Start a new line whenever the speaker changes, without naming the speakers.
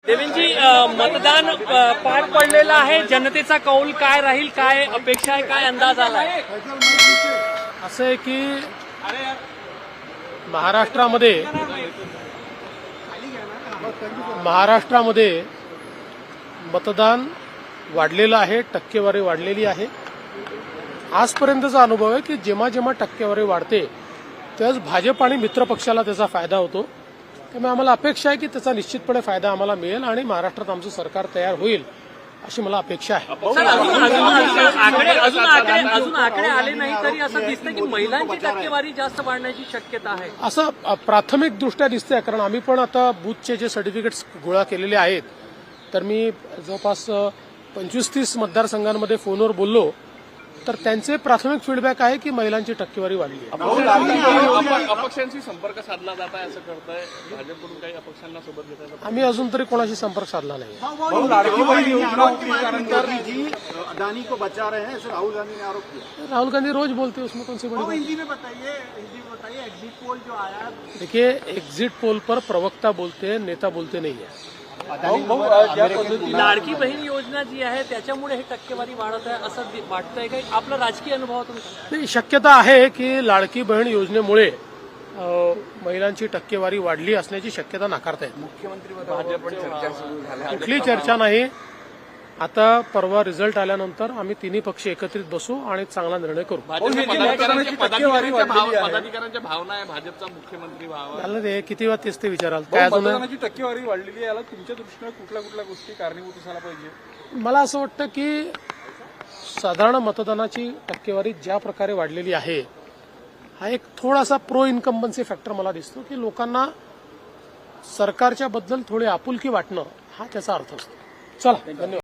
देवेंजी, मतदान पार पडलेलं आहे. जनतेचा कौल काय राहील, काय अपेक्षा आहे, काय अंदाज आलाय?
असं आहे की महाराष्ट्रामध्ये मतदान वाढलेलं आहे, टक्केवारी वाढलेली आहे. आजपर्यंतचा अनुभव आहे की जेव्हा जेव्हा टक्केवारी वाढते त्याच भाजप आणि मित्रपक्षाला त्याचा फायदा होतो. त्यामुळे आम्हाला अपेक्षा आहे की त्याचा निश्चितपणे फायदा आम्हाला मिळेल आणि महाराष्ट्रात आमचं सरकार तयार होईल अशी मला अपेक्षा आहे.
अजून आकडे आले नाही तरी असं दिसतं की महिलांची टक्केवारी जास्त वाढण्याची शक्यता आहे,
असं प्राथमिक दृष्ट्या दिसतंय. कारण आम्ही पण आता बूथचे जे सर्टिफिकेट्स गोळा केलेले आहेत, तर मी जवळपास 25-30 मतदारसंघांमध्ये फोनवर बोललो, तर त्यांचे प्राथमिक फीडबॅक आहे की महिलांची टक्केवारी वाढली आहे.
अपक्षांशी संपर्क साधला जात आहे असं करताय भाजपकडून, काही अपक्षांना सोबत घेताय?
आम्ही अजून तरी कोणाशी संपर्क साधला नाही.
अदानी को बचा रहे हैं, राहुल गांधी ने आरोप किया.
राहुल गांधी रोज बोलते हैं, उसमें कौन सी बड़ी बात?
हिंदी में बताइए एग्जिट पोल जो आया.
देखिए, एग्जिट पोल पर प्रवक्ता बोलते हैं, नेता बोलते नहीं है.
लाडकी बहीण योजना जी आहे त्याच्यामुळे ही टक्केवारी वाढत आहे असं वाटतंय काही? आपला राजकीय अनुभवातून
नाही, शक्यता आहे की लाडकी बहीण योजनेमुळे महिलांची टक्केवारी वाढली असण्याची शक्यता नाकारता येत. कुठली चर्चा नाही. आता परवा रिझल्ट आल्यानंतर आम्ही तिन्ही पक्ष एकत्रित बसू आणि चांगला निर्णय करू.
पदाधिकाऱ्यांच्या भावना आहे भाजपचा मुख्यमंत्री व्हावा.
त्याला ते किती वेळा तेच ते विचाराल. काय अजून
टक्केवारी वाढलेली आहे, याला तुमच्या दृष्टीने कुठल्या गोष्टी कारणीभूत असायला पाहिजे?
मला असं वाटतं की साधारण मतदानाची टक्केवारी ज्या प्रकारे वाढलेली आहे, हा एक थोडासा प्रो इन्कम्बन्सी फॅक्टर मला दिसतो की लोकांना सरकारच्या बद्दल थोडी आपुलकी वाटणं हा त्याचा अर्थ असतो. चला, धन्यवाद.